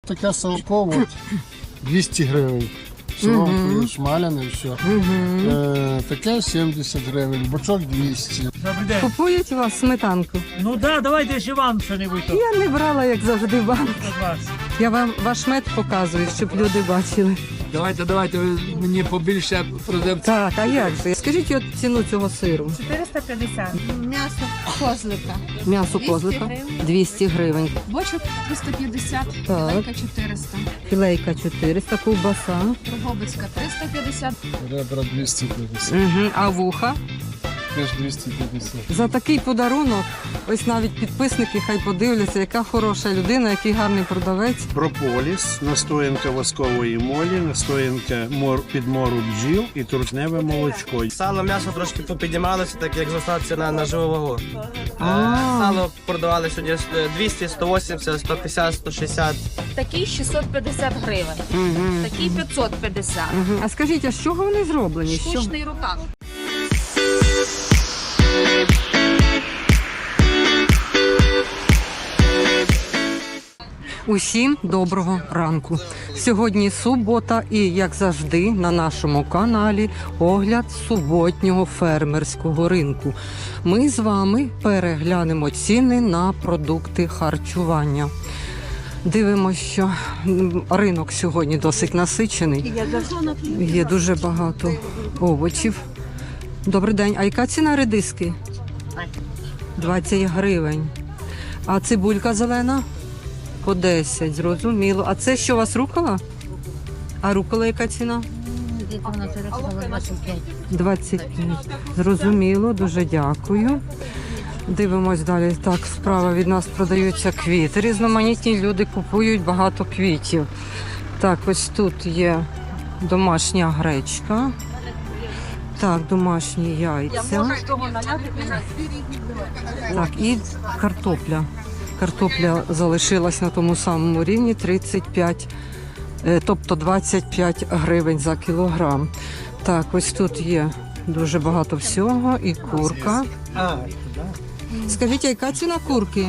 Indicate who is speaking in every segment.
Speaker 1: таке салко, от, 200 гривень. Соломкою шмаляне, все. Таке 70 гривень, бочок 200.
Speaker 2: Купують у вас сметанку?
Speaker 3: Ну да, давайте ще вам що-небудь.
Speaker 2: Я не брала, як завжди, банк. Я вам ваш мед показую, щоб люди бачили.
Speaker 4: Давайте, ви мені побільше продавців.
Speaker 2: Так, а як же? Скажіть от ціну цього сиру.
Speaker 5: 450. М'ясо козлика.
Speaker 2: М'ясо
Speaker 5: 200
Speaker 2: козлика
Speaker 5: гривень.
Speaker 2: 200 гривень.
Speaker 5: Бочок 350,
Speaker 2: Так.
Speaker 5: філейка 400.
Speaker 2: Філейка 400, ковбаса.
Speaker 5: Дрогобицька 350.
Speaker 1: Ребра 250,
Speaker 2: А вуха?
Speaker 1: теж 250.
Speaker 2: За такий подарунок, ось навіть підписники хай подивляться, яка хороша людина, який гарний продавець.
Speaker 6: Прополіс, настоянка воскової молі, настоянка підмору бджіл і трутневе молочко.
Speaker 7: Сало, м'ясо трошки попіднімалося, так як зросла ціна на живу вагу.
Speaker 2: А.
Speaker 7: Сало продавали сьогодні 200, 180, 150, 160.
Speaker 8: Такий 650 гривень, такий 550.
Speaker 2: А скажіть, а з чого вони зроблені? З чого?
Speaker 8: Штучний рукав.
Speaker 2: Усім доброго ранку. Сьогодні субота і, як завжди, на нашому каналі огляд суботнього фермерського ринку. Ми з вами переглянемо ціни на продукти харчування. Дивимося, що ринок сьогодні досить насичений. Є дуже багато овочів. Добрий день. А яка ціна редиски? 20 гривень. А цибулька зелена? По 10, зрозуміло. А це що у вас рукола? А рукола яка ціна? 25. Зрозуміло, дуже дякую. Дивимось далі. Так, справа від нас продаються квіти. Різноманітні люди купують багато квітів. Так, ось тут є домашня гречка. Так, домашні яйця. Так, і картопля. Картопля залишилась на тому самому рівні 35, тобто 25 гривень за кілограм. Так, ось тут є дуже багато всього і курка. Скажіть, яка ціна курки?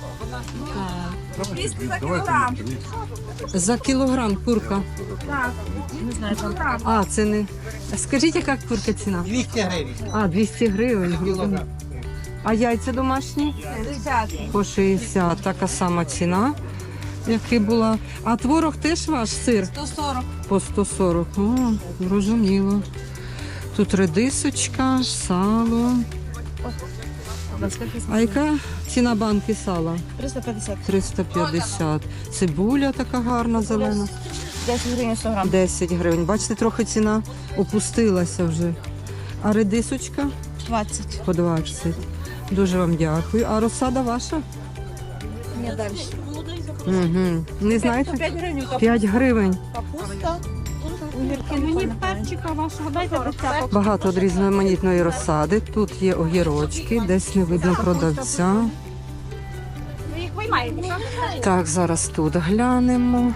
Speaker 5: 200 за кілограм.
Speaker 2: За кілограм курка.
Speaker 5: Так. Не знаю, там.
Speaker 2: А, це не... Скажіть, яка курка ціна?
Speaker 7: 200 гривень.
Speaker 2: А, 200 гривень. А яйця домашні?
Speaker 5: 60.
Speaker 2: По 60. Така сама ціна, яка була. А творог теж ваш сир?
Speaker 5: 140.
Speaker 2: По 140. О, зрозуміло. Тут редисочка, сало. А яка ціна банки сала?
Speaker 5: 350.
Speaker 2: 350. Цибуля така гарна, зелена.
Speaker 5: 10 гривень 100 грам.
Speaker 2: 10 гривень. Бачите, трохи ціна опустилася вже. А редисочка?
Speaker 5: 20.
Speaker 2: По 20. Дуже вам дякую. А розсада ваша?
Speaker 5: Не далі.
Speaker 2: Угу. Не знаєте?
Speaker 5: 5 гривень.
Speaker 2: 5 гривень.
Speaker 5: Капуста. Мені перчика вашого дайте до
Speaker 2: Багато від різноманітної розсади. Тут є огірочки, десь не видно продавця.
Speaker 5: Ви їх виймаєте?
Speaker 2: Так, зараз тут глянемо.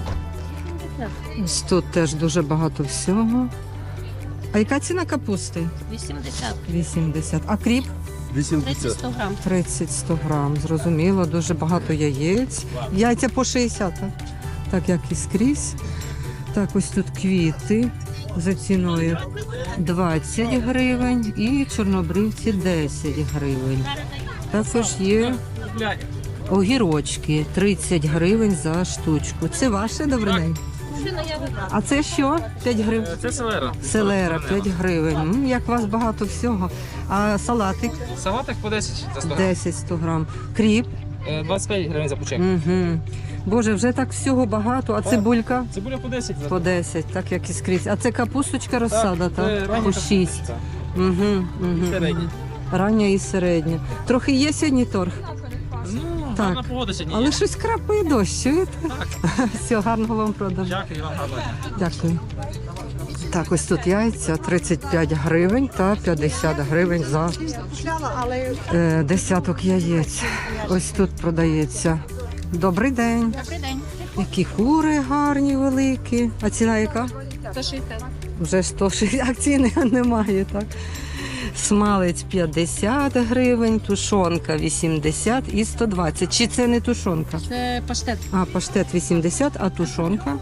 Speaker 2: Ось тут теж дуже багато всього. А яка ціна капусти?
Speaker 8: 80,
Speaker 2: 80. А кріп?
Speaker 8: 30, 100 грам.
Speaker 2: 30-100 грам. Зрозуміло, дуже багато яєць. Яйця по 60, так як і скрізь. Так, ось тут квіти за ціною 20 гривень і чорнобривці 10 гривень. Також є огірочки 30 гривень за штучку. Це ваше, добрий день? А це що? 5 гривень?
Speaker 4: Це селера.
Speaker 2: Селера 5 гривень. Як у вас багато всього. А салатик?
Speaker 4: Салатик по 10 за 100 гривень.
Speaker 2: 10-100 грам. Кріп?
Speaker 4: 25 гривень за пучек.
Speaker 2: Угу. Боже, вже так всього багато. А цибулька?
Speaker 4: Цибуля по 10 за 100.
Speaker 2: По 10, так як і скрізь. А це капусточка розсада,
Speaker 4: це
Speaker 2: так?
Speaker 4: рання
Speaker 2: По 6.
Speaker 4: капуста. Середня.
Speaker 2: Рання і середня. Трохи є сьогодні торг?
Speaker 4: Ну,
Speaker 2: Так.
Speaker 4: гарна погода сьогодні.
Speaker 2: Але щось крапає дощ, чуєте? Все, гарного вам продажу.
Speaker 4: Дякую вам, гарно.
Speaker 2: Дякую. Так, ось тут яйця 35 гривень та 50 гривень за десяток яєць. Ось тут продається. Добрий день.
Speaker 8: Добрий день.
Speaker 2: Які кури гарні, великі. А ціна яка?
Speaker 8: 160.
Speaker 2: Вже 160, а ціни немає, так? Смалець 50 гривень, тушонка 80 і 120. Чи це не тушонка?
Speaker 8: Це паштет.
Speaker 2: А, паштет 80, а тушонка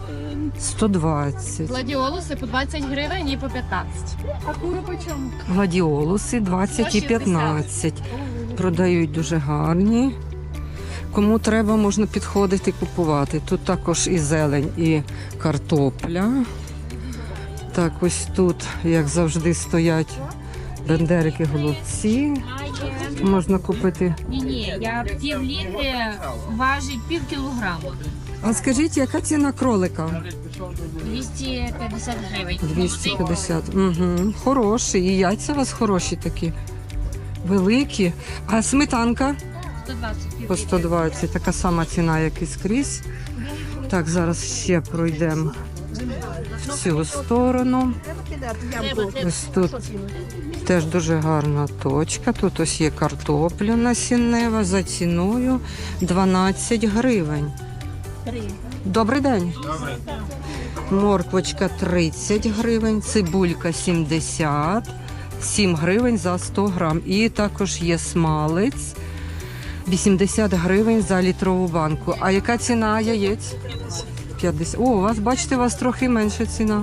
Speaker 2: 120.
Speaker 8: Гладіолуси по 20 гривень і по 15. А кури по чому?
Speaker 2: Гладіолуси 20 і 15. Продають дуже гарні. Кому треба, можна підходити купувати. Тут також і зелень, і картопля. Так, ось тут, як завжди, стоять бендерики, голубці. Можна купити.
Speaker 8: Ні, я пів літри важить пів кілограма.
Speaker 2: А скажіть, яка ціна кролика?
Speaker 8: 250 гривень.
Speaker 2: 250. Угу. Хороший. І яйця у вас хороші такі. Великі. А сметанка?
Speaker 8: 120
Speaker 2: По 120. Така сама ціна, як і скрізь. Так, зараз ще пройдемо в цю сторону. Ось тут теж дуже гарна точка. Тут ось є картопля насіннева за ціною 12 гривень. Добрий день. Морквочка 30 гривень, цибулька 70, 7 гривень за 100 грам. І також є смалець 80 гривень за літрову банку. А яка ціна яєць? 50. О, у вас, бачите, у вас трохи менша ціна.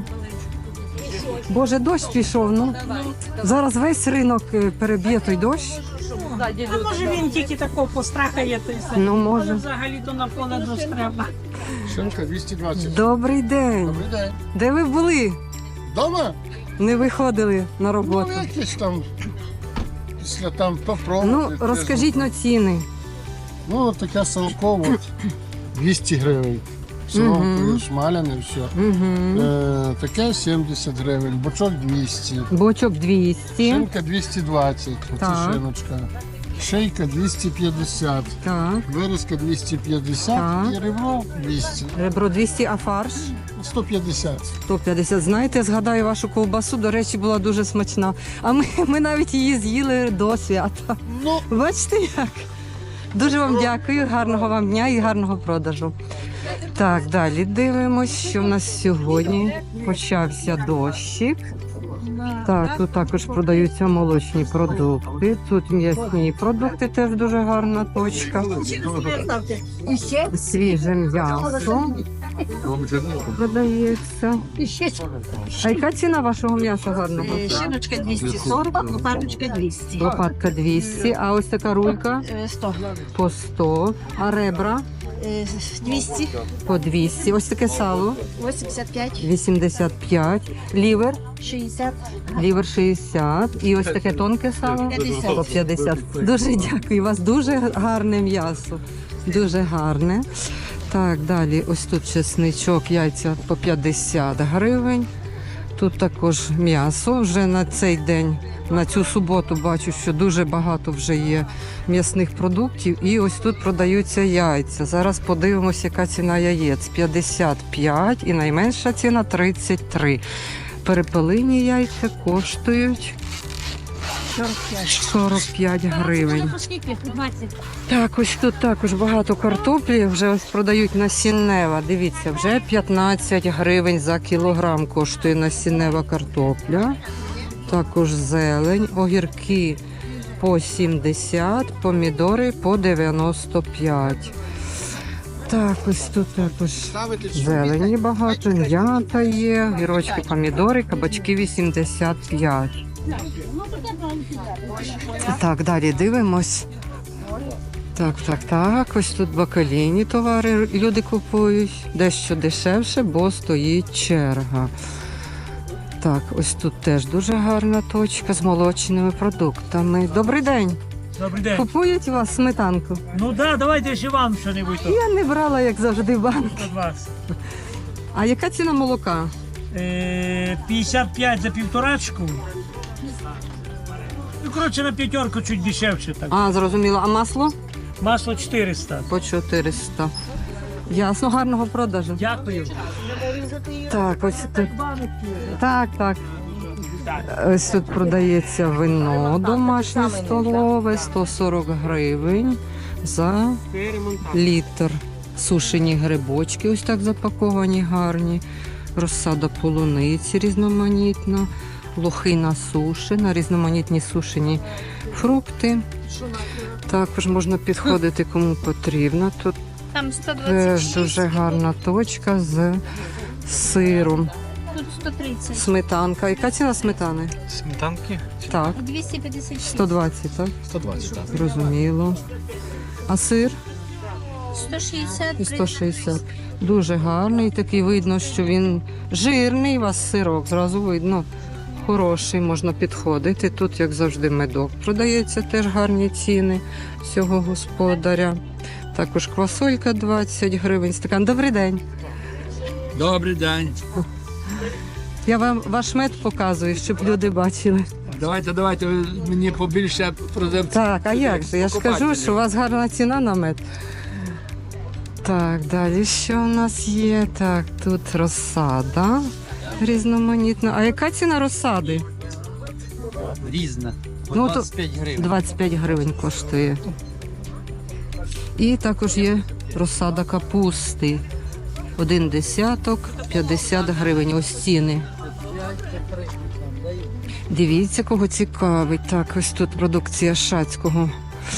Speaker 2: Боже, дощ пішов, ну. Зараз весь ринок переб'є той дощ.
Speaker 9: А може він тільки такого пострахає, то й все.
Speaker 2: Ну,
Speaker 9: Але
Speaker 2: може.
Speaker 9: взагалі-то на поле дощ треба.
Speaker 1: Шинка 220.
Speaker 2: Добрий день.
Speaker 1: Добрий день.
Speaker 2: Де ви були?
Speaker 1: Дома?
Speaker 2: Не виходили на
Speaker 1: Ну,
Speaker 2: роботу?
Speaker 1: якісь там, після там попробувати.
Speaker 2: Ну, розкажіть на ціни.
Speaker 1: Ну, таке салко, от, 200 гривень. Соломкою, смаляне, все.
Speaker 2: Угу.
Speaker 1: Таке 70 гривень, бочок 200.
Speaker 2: Бочок 200.
Speaker 1: Шинка 220, оце
Speaker 2: Так.
Speaker 1: шиночка. Шийка 250,
Speaker 2: Так.
Speaker 1: вирізка 250
Speaker 2: Так.
Speaker 1: і ребро 200.
Speaker 2: Ребро 200, а фарш
Speaker 1: 150.
Speaker 2: 150. Знаєте, згадаю вашу ковбасу, до речі, була дуже смачна. А ми навіть її з'їли до свята.
Speaker 1: Ну,
Speaker 2: Бачите як? Дуже вам дякую, гарного вам дня і гарного продажу. Так, далі дивимось, що в нас сьогодні почався дощик. Так, тут також продаються молочні продукти. Тут м'ясні продукти, теж дуже гарна точка. Свіже м'ясо продається. А яка ціна вашого м'яса гарного?
Speaker 9: Шиночка 240, лопаточка 200.
Speaker 2: Лопатка 200, а ось така рулька
Speaker 9: 100.
Speaker 2: по 100, а ребра
Speaker 9: 200.
Speaker 2: по 200. Ось таке сало
Speaker 9: 85.
Speaker 2: 85, лівер,
Speaker 9: 60.
Speaker 2: лівер 60 і ось таке тонке сало
Speaker 9: 50.
Speaker 2: по 50. Дуже дякую, у вас дуже гарне м'ясо, дуже гарне. Так, далі ось тут чесничок, яйця по 50 гривень. Тут також м'ясо. Вже на цей день, на цю суботу бачу, що дуже багато вже є м'ясних продуктів. І ось тут продаються яйця. Зараз подивимося, яка ціна яєць. 55 і найменша ціна 33. Перепелині яйця коштують 45 гривень.
Speaker 8: Скільки? 20.
Speaker 2: Так, ось тут також багато картоплі, вже ось продають насіннева. Дивіться, вже 15 гривень за кілограм коштує насіннева картопля. Також зелень, огірки по 70, помідори по 95. Так, ось тут також зелені багато, м'ята є, гірочки, помідори, кабачки 85. Так, далі дивимось. Так. Ось тут бакалійні товари люди купують. Дещо дешевше, бо стоїть черга. Так, ось тут теж дуже гарна точка з молочними продуктами. Добрий день.
Speaker 3: Добрий день.
Speaker 2: Купують у вас сметанку?
Speaker 3: Ну да, давайте ще вам що-небудь тут.
Speaker 2: Я не брала, як завжди, банк.
Speaker 3: Від вас.
Speaker 2: А яка ціна молока?
Speaker 3: 55 за півторачку. Ну, коротше, на п'ятерку чуть дешевше так.
Speaker 2: А, зрозуміло. А масло?
Speaker 3: Масло 400.
Speaker 2: По 400. Ясно, гарного продажу.
Speaker 3: Дякую.
Speaker 2: Так, ось тут. Так. Ось тут продається вино домашнє столове, 140 гривень за літр. Сушені грибочки, ось так запаковані, гарні. Розсада полуниці різноманітна. лохи на суші, на різноманітні сушені фрукти. Також можна підходити кому потрібно. Тут
Speaker 8: Там
Speaker 2: теж
Speaker 8: 126,
Speaker 2: дуже гарна точка з сиром.
Speaker 8: тут 130.
Speaker 2: Сметанка. Яка ціна сметани?
Speaker 4: Сметанки?
Speaker 2: Так,
Speaker 8: 256.
Speaker 2: 120, так?
Speaker 4: 120, так.
Speaker 2: Зрозуміло. А сир?
Speaker 8: 160.
Speaker 2: І 160. Дуже гарний, такий видно, що він жирний, у вас сирок, зразу видно. Хороший, можна підходити. Тут, як завжди, медок продається, теж гарні ціни цього господаря. Також квасолька 20 гривень стакан. Добрий день.
Speaker 10: Добрий день.
Speaker 2: Я вам ваш мед показую, щоб люди бачили.
Speaker 10: Давайте, ви мені побільше продавців.
Speaker 2: Так, а як же? Я ж кажу, що у вас гарна ціна на мед. Так, далі що у нас є? Так, тут розсада різноманітна. А яка ціна розсади?
Speaker 10: Різна.
Speaker 2: Ну, то
Speaker 10: 25 гривень.
Speaker 2: 25 гривень коштує. І також є розсада капусти. 1 десяток, 50 гривень. Ось ціни. Дивіться, кого цікавить. Так, ось тут продукція Шацького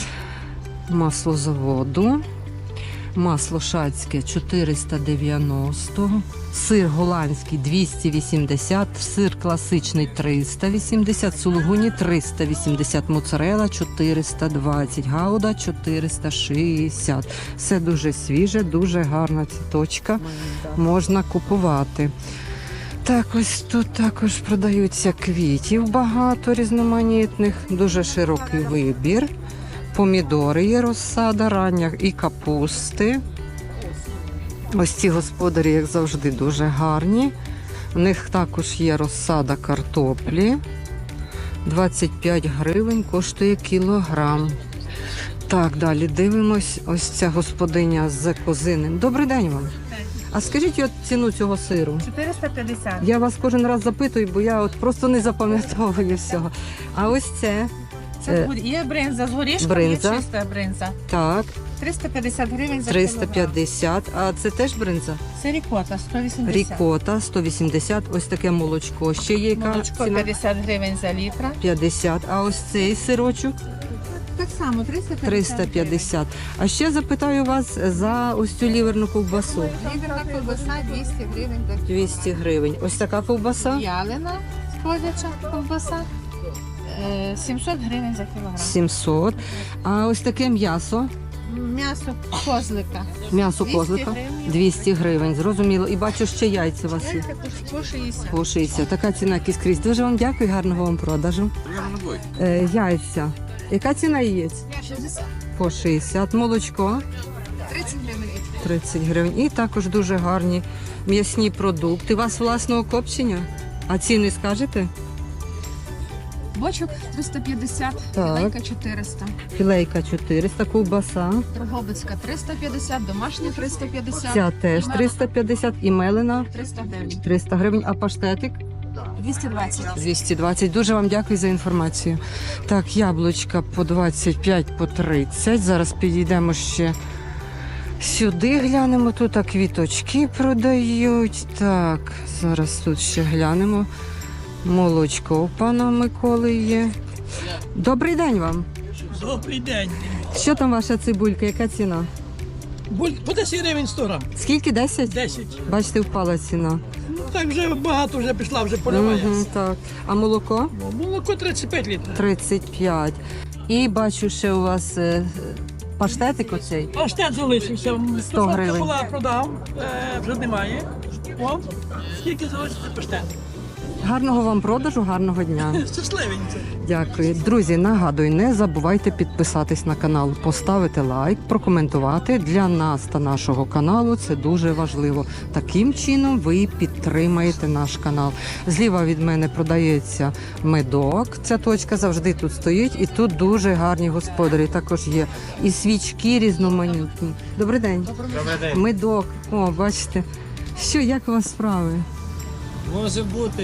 Speaker 2: маслозаводу. Масло шацьке 490, сир голландський 280, сир класичний 380, сулугуні 380, моцарела 420, гауда 460. Все дуже свіже, дуже гарна ця точка, можна купувати. Так, ось тут також продаються квітів багато різноманітних, дуже широкий вибір. Помідори є розсада рання і капусти. Ось ці господарі, як завжди, дуже гарні. У них також є розсада картоплі. 25 гривень коштує кілограм. Так, далі дивимось. Ось ця господиня з козиним. Добрий день вам. А скажіть от ціну цього сиру.
Speaker 9: 450.
Speaker 2: Я вас кожен раз запитую, бо я от просто не запам'ятовую всього. А ось це.
Speaker 9: Це є бринза з горішком,
Speaker 2: бринза.
Speaker 9: є чиста бринза.
Speaker 2: Так,
Speaker 9: 350 гривень за кілограм.
Speaker 2: 350. А це теж бринза?
Speaker 9: Це рікота, 180.
Speaker 2: Рікота 180. Ось таке молочко. Ще є яка
Speaker 9: Молочко
Speaker 2: ціна?
Speaker 9: 50 гривень за літра.
Speaker 2: 50. А ось цей сирочок
Speaker 9: Так само, 350.
Speaker 2: 350. А ще запитаю вас за ось цю ліверну ковбасу.
Speaker 9: Ліверна ковбаса 200 гривень за
Speaker 2: 200 гривень. Ось така ковбаса?
Speaker 9: ялина, сходяча ковбаса. 700 гривень за кілограм.
Speaker 2: 700. А ось таке м'ясо.
Speaker 9: М'ясо козлика.
Speaker 2: М'ясо
Speaker 9: 200
Speaker 2: козлика.
Speaker 9: гривень.
Speaker 2: 200 гривень. Зрозуміло. І бачу, ще яйця у вас є.
Speaker 9: По 60.
Speaker 2: По 60. Така ціна, як і скрізь. Дуже вам дякую, гарного вам продажу. Яйця. Яка ціна яєць?
Speaker 9: 60.
Speaker 2: По 60. Молочко
Speaker 9: 30 гривень.
Speaker 2: 30 гривень. І також дуже гарні м'ясні продукти. У вас власного копчення? А ціни скажете?
Speaker 9: Бочок 350,
Speaker 2: Так.
Speaker 9: філейка 400.
Speaker 2: Філейка 400, ковбаса.
Speaker 9: Дрогобицька 350, домашня 350.
Speaker 2: Ця теж 350 і мелена
Speaker 9: 300 гривень.
Speaker 2: 300 гривень. А паштетик?
Speaker 9: 220.
Speaker 2: 220. Дуже вам дякую за інформацію. Так, яблучка по 25, по 30. Зараз підійдемо ще сюди, глянемо. Тут квіточки продають. Так, зараз тут ще глянемо. Молочко у пана Миколи є. Добрий день вам.
Speaker 3: Добрий день.
Speaker 2: Що там ваша цибулька? Яка ціна?
Speaker 3: По 10 гривень 100 грам.
Speaker 2: Скільки? 10?
Speaker 3: 10.
Speaker 2: Бачите, впала ціна.
Speaker 3: Ну так вже багато вже пішла, вже поливає.
Speaker 2: Угу, так. А молоко?
Speaker 3: Молоко 35 літрів.
Speaker 2: 35. І бачу, ще у вас паштетик оцей.
Speaker 3: Паштет залишився.
Speaker 2: 100 гривень.
Speaker 3: Була продав, вже немає. О, скільки залишиться паштет?
Speaker 2: Гарного вам продажу, гарного дня.
Speaker 3: Щасливенько.
Speaker 2: Дякую. Друзі, нагадую, не забувайте підписатись на канал, поставити лайк, прокоментувати. Для нас та нашого каналу це дуже важливо. Таким чином ви підтримаєте наш канал. Зліва від мене продається медок. Ця точка завжди тут стоїть. І тут дуже гарні господарі. Також є і свічки різноманітні. Добрий день.
Speaker 7: Добрий день.
Speaker 2: Медок. О, бачите. Що, як у вас справи?
Speaker 10: Може бути.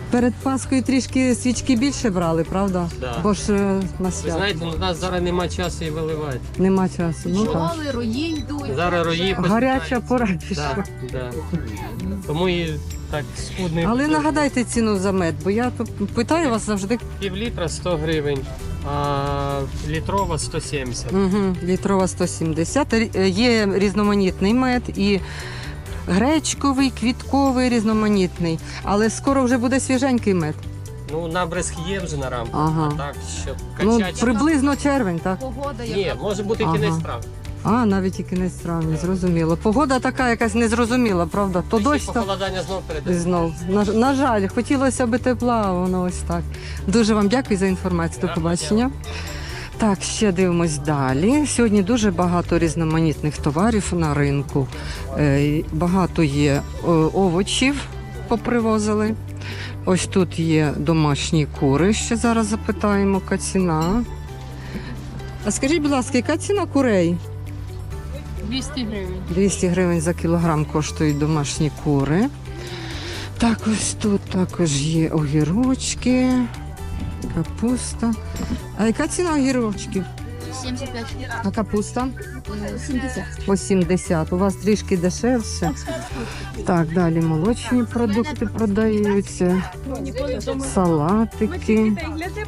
Speaker 2: Перед Пасхою трішки свічки більше брали, правда?
Speaker 4: Да.
Speaker 2: Бо ж на
Speaker 4: Ви
Speaker 2: свято
Speaker 4: знаєте, у нас зараз немає часу і виливати.
Speaker 2: нема часу. Ну так.
Speaker 8: рої йдуть.
Speaker 4: Зараз рої
Speaker 2: Гаряча пора пішла.
Speaker 4: Так, да. Тому і так скудний.
Speaker 2: Але нагадайте ціну за мед, бо я тут питаю вас завжди.
Speaker 4: Півлітра 100 гривень, а літрова 170.
Speaker 2: Угу, літрова 170. Є різноманітний мед і гречковий, квітковий, різноманітний. Але скоро вже буде свіженький мед.
Speaker 4: Ну, набризк є вже на рамку.
Speaker 2: Ага.
Speaker 4: А так, щоб
Speaker 2: Ну,
Speaker 4: качати.
Speaker 2: приблизно червень, так?
Speaker 8: Погода
Speaker 4: Ні, може бути і
Speaker 2: Ага.
Speaker 4: кінець травня.
Speaker 2: А, навіть і кінець травня, зрозуміло. Погода така якась незрозуміла, правда? То
Speaker 4: Ще
Speaker 2: дощ, то
Speaker 4: похолодання знов
Speaker 2: і
Speaker 4: перейде.
Speaker 2: знов. На жаль, хотілося б тепла, а воно ось так. Дуже вам дякую за інформацію. До побачення. Так, ще дивимось далі. Сьогодні дуже багато різноманітних товарів на ринку. Багато є овочів попривозили. Ось тут є домашні кури. Ще зараз запитаємо, яка ціна. А скажіть, будь ласка, яка ціна курей?
Speaker 8: 200 гривень.
Speaker 2: 200 гривень за кілограм коштують домашні кури. Так, ось тут також є огірочки, капуста. А яка ціна огірочків?
Speaker 8: 75.
Speaker 2: А капуста?
Speaker 8: 70.
Speaker 2: По 70. У вас трішки дешевше. Так, далі молочні продукти продаються. Салатики.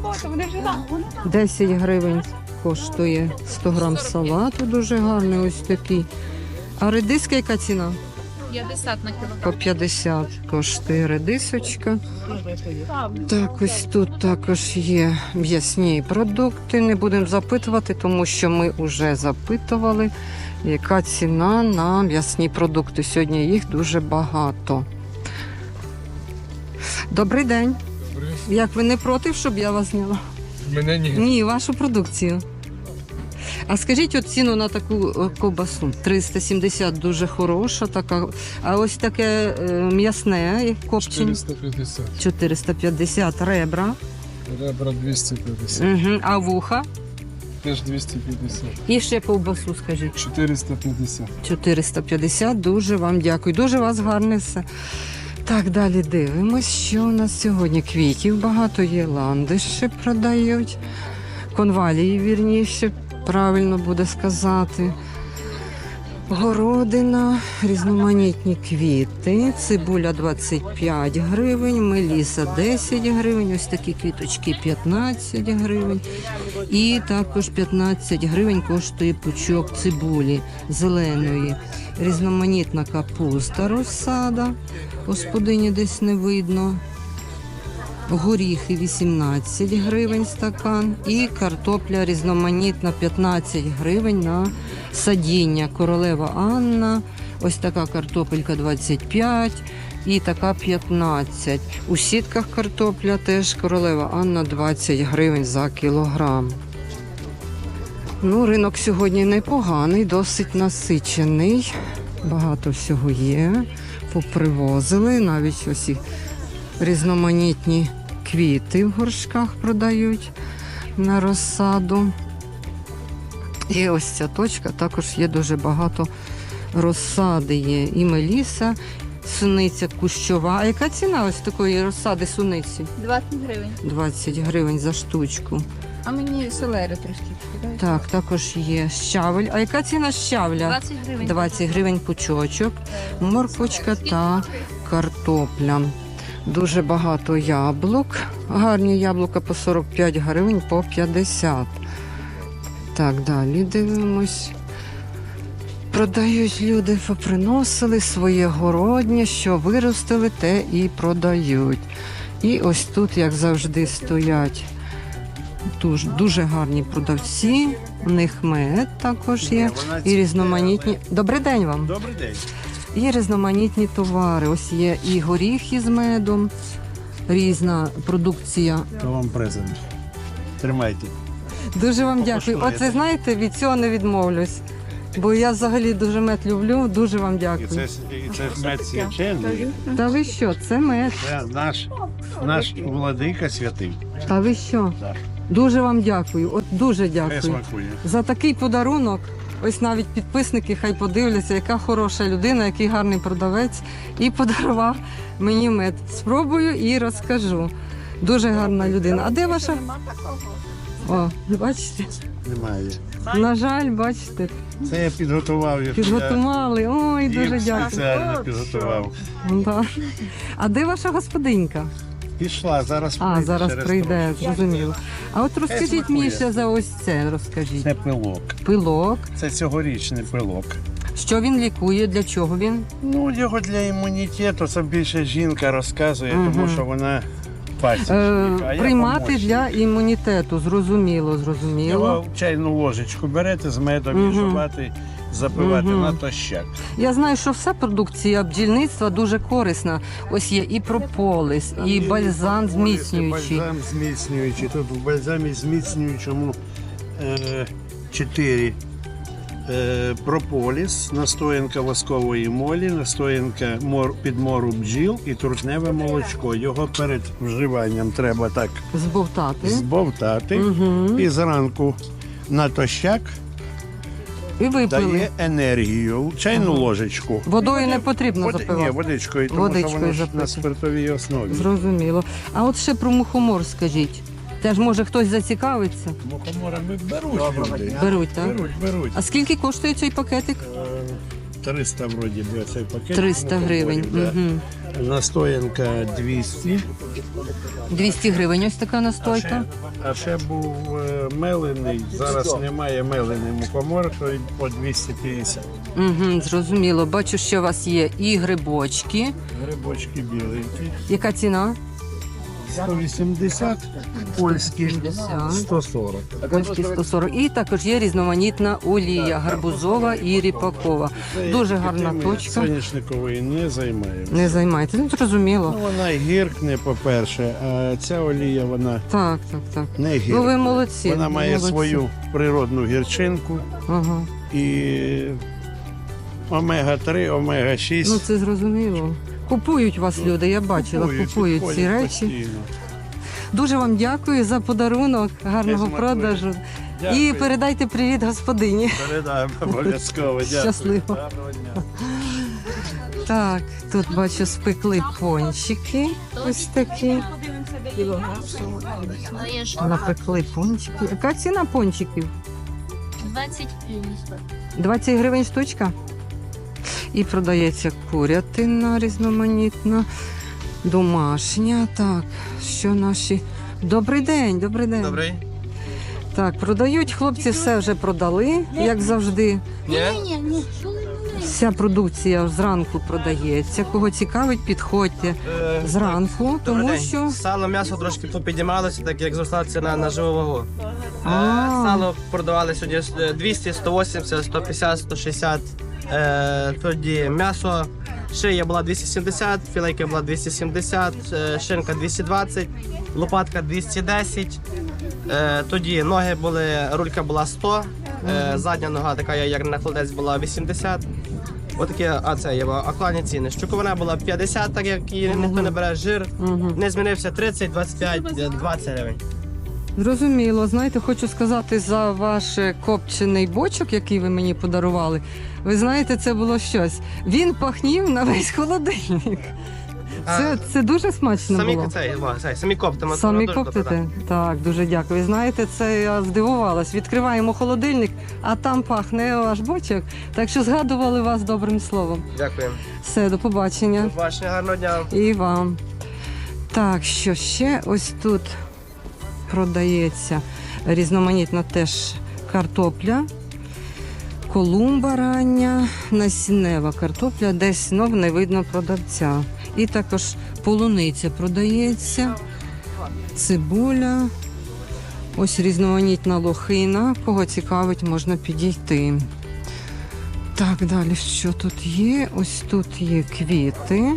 Speaker 2: 10 гривень коштує 100 грам салату, дуже гарний ось такий. А редиска яка ціна?
Speaker 8: 50 на кілограм.
Speaker 2: По 50 коштує редисочка. Так, ось тут також є м'ясні продукти. Не будемо запитувати, тому що ми вже запитували, яка ціна на м'ясні продукти. Сьогодні їх дуже багато. Добрий день. Як ви не проти, щоб я вас зняла?
Speaker 10: Мене ні.
Speaker 2: Ні, вашу продукцію. А скажіть от ціну на таку ковбасу. 370 дуже хороша така. А ось таке м'ясне копчення.
Speaker 1: 450.
Speaker 2: 450 ребра.
Speaker 1: Ребра 250.
Speaker 2: Угу. А вуха?
Speaker 1: Теж 250.
Speaker 2: І ще ковбасу, скажіть.
Speaker 1: 450.
Speaker 2: 450. Дуже вам дякую. Дуже у вас гарне все. Так, далі дивимось, що у нас сьогодні. Квітів багато є, ландиші продають. Конвалії, вірніше, правильно буде сказати. Городина, різноманітні квіти, цибуля 25 гривень, меліса 10 гривень, ось такі квіточки 15 гривень. І також 15 гривень коштує пучок цибулі зеленої. Різноманітна капуста розсада, господині десь не видно. Горіхи 18 гривень стакан і картопля різноманітна 15 гривень на садіння. Королева Анна, ось така картопелька 25 і така 15. У сітках картопля теж Королева Анна 20 гривень за кілограм. Ну, ринок сьогодні непоганий, досить насичений. Багато всього є. Попривозили, навіть ось і різноманітні квіти в горшках продають на розсаду. І ось ця точка також є дуже багато розсади є. І меліса, суниця кущова. А яка ціна ось такої розсади суниці?
Speaker 8: 20 гривень.
Speaker 2: 20 гривень за штучку.
Speaker 8: А мені селери трошки кидають.
Speaker 2: Так, також є щавель. А яка ціна щавля?
Speaker 8: 20 гривень.
Speaker 2: 20 гривень пучочок, морквочка та картопля. Дуже багато яблук. Гарні яблука по 45 гривень, по 50. Так, далі дивимось. Продають люди, поприносили своє городнє, що виростили, те і продають. І ось тут, як завжди, стоять дуже гарні продавці. У них мед також є. І різноманітні. Добрий день вам.
Speaker 6: Добрий день.
Speaker 2: Є різноманітні товари. Ось є і горіхи з медом, різна продукція.
Speaker 6: То вам презент. Тримайте.
Speaker 2: Дуже вам дякую.
Speaker 6: Покуштуєте.
Speaker 2: Оце, знаєте, від цього не відмовлюсь. Бо я взагалі дуже мед люблю. Дуже вам
Speaker 6: І
Speaker 2: дякую.
Speaker 6: це мед свячений.
Speaker 2: Та ви що, це мед?
Speaker 6: Це наш владика святий.
Speaker 2: Та ви що?
Speaker 6: Так.
Speaker 2: Дуже вам дякую. От дуже
Speaker 6: Хай
Speaker 2: дякую.
Speaker 6: смакує.
Speaker 2: За такий подарунок. Ось навіть підписники хай подивляться, яка хороша людина, який гарний продавець, і подарував мені мед. Спробую і розкажу. Дуже гарна людина. А де ваша? О, бачите?
Speaker 6: Немає.
Speaker 2: На жаль, бачите,
Speaker 6: Це я підготував.
Speaker 2: підготували. Ой, дуже
Speaker 6: Їх
Speaker 2: дякую.
Speaker 6: спеціально підготував.
Speaker 2: Да. А де ваша господинька?
Speaker 6: Пішла, зараз
Speaker 2: А, зараз
Speaker 6: через
Speaker 2: прийде,
Speaker 6: трошки.
Speaker 2: зрозуміло. А от розкажіть
Speaker 6: смакує.
Speaker 2: мені ще за ось це, розкажіть.
Speaker 6: Це пилок.
Speaker 2: Пилок.
Speaker 6: Це цьогорічний пилок.
Speaker 2: Що він лікує, для чого він?
Speaker 6: Ну, його для імунітету, це більше жінка розказує, тому що вона пасічник. А я
Speaker 2: Приймати
Speaker 6: помощник.
Speaker 2: для імунітету, зрозуміло, зрозуміло.
Speaker 6: Його в чайну ложечку берете з медом, мішувати, запивати натощак.
Speaker 2: Я знаю, що вся продукція бджільництва дуже корисна. Ось є і прополіс, і бальзам зміцнюючий.
Speaker 6: Бальзам зміцнюючий. Тут в бальзамі зміцнюючому 4 прополіс, настоянка воскової молі, настоянка підмору бджіл і трутневе молочко. Його перед вживанням треба так
Speaker 2: Збовтати.
Speaker 6: збовтати. І зранку натощак
Speaker 2: І випили.
Speaker 6: дає енергію. Чайну ложечку.
Speaker 2: Водою не потрібно
Speaker 6: Ні,
Speaker 2: запивати.
Speaker 6: водичкою, тому
Speaker 2: Водичкою
Speaker 6: що воно ж
Speaker 2: запити.
Speaker 6: на спиртовій основі.
Speaker 2: Зрозуміло. А от ще про мухомор скажіть. Теж може хтось зацікавиться?
Speaker 6: Мухоморами беруть люди.
Speaker 2: Беруть, так?
Speaker 6: Беруть.
Speaker 2: А скільки коштує цей пакетик?
Speaker 6: 300 вроді би цей пакет.
Speaker 2: 300 гривень.
Speaker 6: Да.
Speaker 2: Угу.
Speaker 6: Настоянка 200.
Speaker 2: 200 гривень ось така настойка.
Speaker 6: А ще був мелений. Зараз немає мелений мухомор, то й по 250.
Speaker 2: Угу, зрозуміло. Бачу, що у вас є і грибочки.
Speaker 6: Грибочки біленькі.
Speaker 2: Яка ціна?
Speaker 6: 180, польські 140.
Speaker 2: Польські 140. І також є різноманітна олія гарбузова і ріпакова. Дуже гарна
Speaker 6: Тими
Speaker 2: точка.
Speaker 6: Соняшникової не займаємося.
Speaker 2: Не займайте. Ну, зрозуміло.
Speaker 6: Ну, вона гіркне, по-перше, а ця олія, вона
Speaker 2: Так, так, так.
Speaker 6: не гіркне.
Speaker 2: Ну, ви молодці.
Speaker 6: Вона має
Speaker 2: молодці.
Speaker 6: свою природну гірчинку
Speaker 2: Ага.
Speaker 6: і омега-3, омега-6.
Speaker 2: Ну, це зрозуміло. Купують вас люди, я бачила, купують ці
Speaker 6: підходять
Speaker 2: речі.
Speaker 6: постійно.
Speaker 2: Дуже вам дякую за подарунок, гарного
Speaker 6: Смакує.
Speaker 2: продажу. І
Speaker 6: Дякую.
Speaker 2: передайте привіт господині.
Speaker 6: Передаємо обов'язково. Дякую.
Speaker 2: Щасливо.
Speaker 6: Гарного дня.
Speaker 2: Так, тут бачу спекли пончики. Ось такі. Напекли пончики. Яка ціна пончиків?
Speaker 8: 20
Speaker 2: 20 гривень штучка. І продається курятина різноманітна, домашня. Так, що наші. Добрий день, добрий день.
Speaker 7: Добрий.
Speaker 2: Так, продають хлопці, все вже продали, як завжди.
Speaker 7: Ні?
Speaker 2: Вся продукція зранку продається. Кого цікавить, підходьте зранку,
Speaker 7: Добрий
Speaker 2: тому
Speaker 7: день.
Speaker 2: що
Speaker 7: Сало, м'ясо трошки попіднімалося, так як зросла ціна на живу вагу.
Speaker 2: А.
Speaker 7: Сало продавали сьогодні 200, 180, 150, 160. Тоді м'ясо, шия була 270, філейка була 270, шинка 220, лопатка 210. Тоді ноги були, рулька була 100, задня нога така, як на холодець, була 80. Отакі, це є актуальні ціни. Щуковина була 50, так як її ніхто не бере, жир. Не змінився 30, 25, 20 гривень.
Speaker 2: зрозуміло. Знаєте, хочу сказати за ваш копчений бочок, який ви мені подарували. Ви знаєте, це було щось. Він пахнів на весь холодильник. Це дуже смачно було.
Speaker 7: Самі коптимо.
Speaker 2: Самі
Speaker 7: дуже добре,
Speaker 2: коптите? Так, дуже дякую. Знаєте, це я здивувалась. Відкриваємо холодильник, а там пахне ваш бочок. Так що згадували вас добрим словом.
Speaker 7: Дякую.
Speaker 2: Все, до побачення.
Speaker 7: До побачення, гарного дня.
Speaker 2: І вам. Так, що ще ось тут продається різноманітна теж картопля, колумба рання, насіннева картопля, десь знов не видно продавця. І також полуниця продається, цибуля, ось різноманітна лохина. Кого цікавить, можна підійти. Так, далі що тут є? Ось тут є квіти.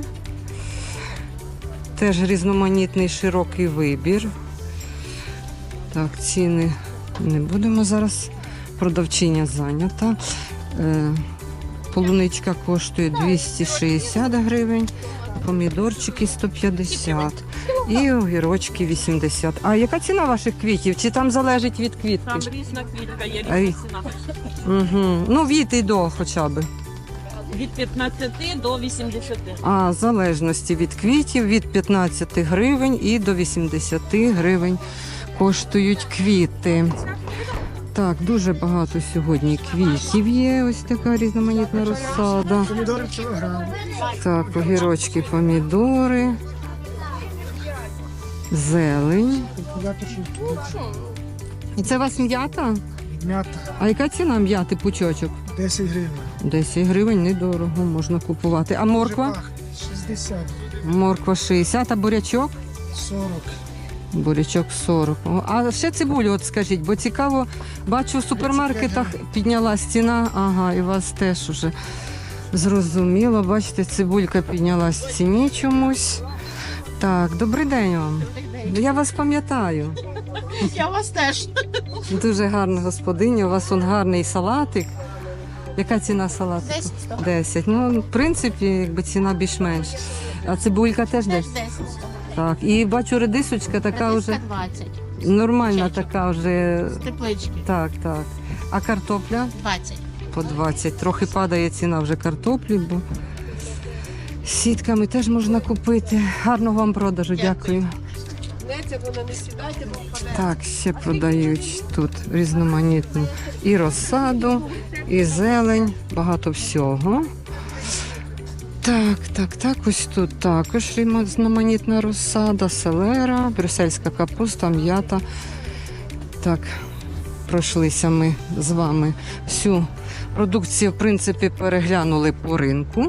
Speaker 2: Теж різноманітний широкий вибір. Так, ціни не будемо зараз. Продавчиня зайнята. Полуничка коштує 260 гривень, помідорчики 150. І огірочки 80. А яка ціна ваших квітів? Чи там залежить від квітки?
Speaker 3: Там різна квітка, є
Speaker 2: Ай.
Speaker 3: різна ціна.
Speaker 2: Угу. Ну, від і до хоча б.
Speaker 3: Від 15 до 80.
Speaker 2: А, в залежності від квітів, від 15 гривень і до 80 гривень коштують квіти. Так, дуже багато сьогодні квітів є. Ось така різноманітна розсада.
Speaker 1: Помідори кілограм.
Speaker 2: Так, огірочки, помідори, зелень. І це у вас м'ята?
Speaker 1: М'ята
Speaker 2: А яка ціна м'яти пучочок?
Speaker 1: 10 гривень.
Speaker 2: 10 гривень, недорого, можна купувати. А морква?
Speaker 1: 60,
Speaker 2: Морква 60, а бурячок?
Speaker 1: 40.
Speaker 2: Бурячок 40. О, а ще цибулю, от скажіть, бо цікаво, бачу в супермаркетах піднялась ціна. Ага, і у вас теж уже зрозуміло. Бачите, цибулька піднялась в ціні чомусь. Так, добрий день вам. Я вас пам'ятаю.
Speaker 9: Я вас теж.
Speaker 2: Дуже гарна господиня, у вас он гарний салатик. Яка ціна салатику?
Speaker 5: 10.
Speaker 2: 10. Ну, в принципі, якби ціна більш-менш. А цибулька теж 10?
Speaker 5: 10.
Speaker 2: Так. І бачу, редисочка така вже
Speaker 5: 20.
Speaker 2: нормальна, така вже.
Speaker 5: Теплички.
Speaker 2: Так, так. А картопля?
Speaker 5: 20.
Speaker 2: По 20. Трохи падає ціна вже картоплі, бо сітками теж можна купити. Гарного вам продажу, дякую. Так, ще продають тут різноманітну і розсаду, і зелень, багато всього. Так, ось тут також різноманітна розсада, селера, брюссельська капуста, м'ята. Так, пройшлися ми з вами всю продукцію, в принципі, переглянули по ринку.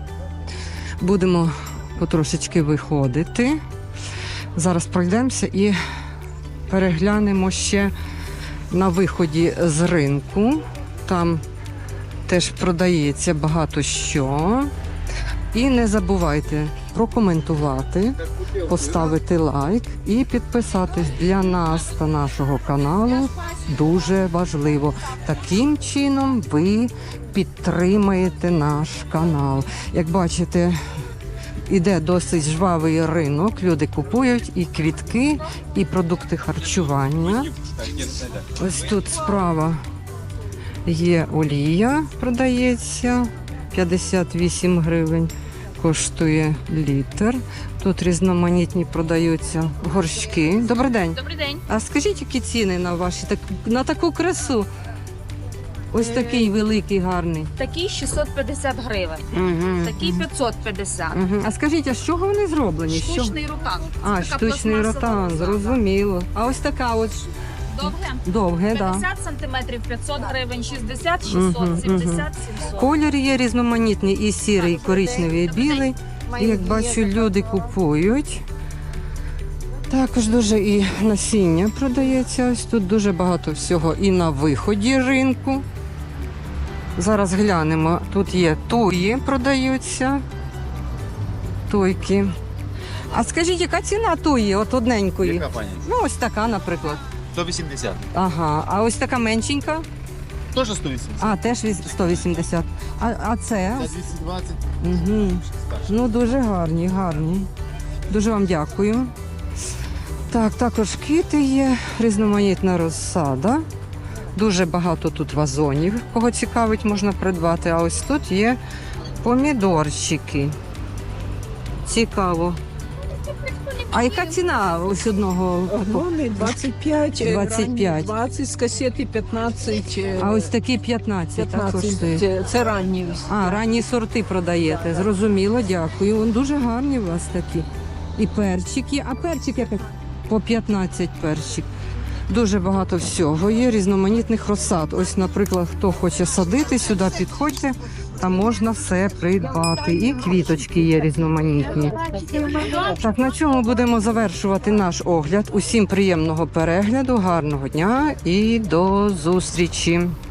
Speaker 2: Будемо потрошечки виходити. Зараз пройдемося і переглянемо ще на виході з ринку. Там теж продається багато що. І не забувайте прокоментувати, поставити лайк і підписатись для нас та нашого каналу. Дуже важливо. Таким чином ви підтримаєте наш канал. Як бачите, іде досить жвавий ринок, люди купують і квітки, і продукти харчування. Ось тут справа є олія, продається, 58 гривень коштує літр. Тут різноманітні продаються горщики. Добрий день.
Speaker 8: Добрий день.
Speaker 2: А скажіть, які ціни на ваші, на таку красу? Ось такий великий, гарний.
Speaker 8: Такий 650 гривень,
Speaker 2: Угу.
Speaker 8: такий 550.
Speaker 2: Угу. А скажіть, а з чого вони зроблені? Що?
Speaker 8: Штучний ротан.
Speaker 2: А,
Speaker 8: Така
Speaker 2: штучний
Speaker 8: пластмасова
Speaker 2: ротан,
Speaker 8: роза.
Speaker 2: зрозуміло. А ось така ось
Speaker 8: Довге?
Speaker 2: довге, так.
Speaker 8: 50 сантиметрів 500 гривень, 60, 600, 70, 700.
Speaker 2: Колір є різноманітний, і сірий, і коричневий, і білий. І, як бачу, люди купують. Також дуже і насіння продається. Ось тут дуже багато всього і на виході ринку. Зараз глянемо. Тут є туї, продаються. Туйки. А скажіть, яка ціна туї, от одненької?
Speaker 11: Яка, пані?
Speaker 2: Ну, ось така, наприклад.
Speaker 11: 180.
Speaker 2: Ага. А ось така меншенька?
Speaker 11: Теж 180.
Speaker 2: А, теж 180. А це?
Speaker 1: 220.
Speaker 2: Угу. Ну, дуже гарні, гарні. Дуже вам дякую. Так, також квіти є, різноманітна розсада. Дуже багато тут вазонів, кого цікавить, можна придбати. А ось тут є помідорчики. Цікаво. А яка ціна ось одного?
Speaker 9: Вагони 25,
Speaker 2: 25.
Speaker 9: 20, з касети 15.
Speaker 2: А ось такі 15, так
Speaker 9: 15.
Speaker 2: коштує.
Speaker 9: Це ранні.
Speaker 2: А, ранні сорти продаєте. Зрозуміло, дякую. Вон дуже гарні у вас такі. І перчики. А перчик як? По 15 перчик. Дуже багато всього є, різноманітних розсад. Ось, наприклад, хто хоче садити, сюди підходьте, там можна все придбати. І квіточки є різноманітні. Так, на чому будемо завершувати наш огляд. Усім приємного перегляду, гарного дня і до зустрічі.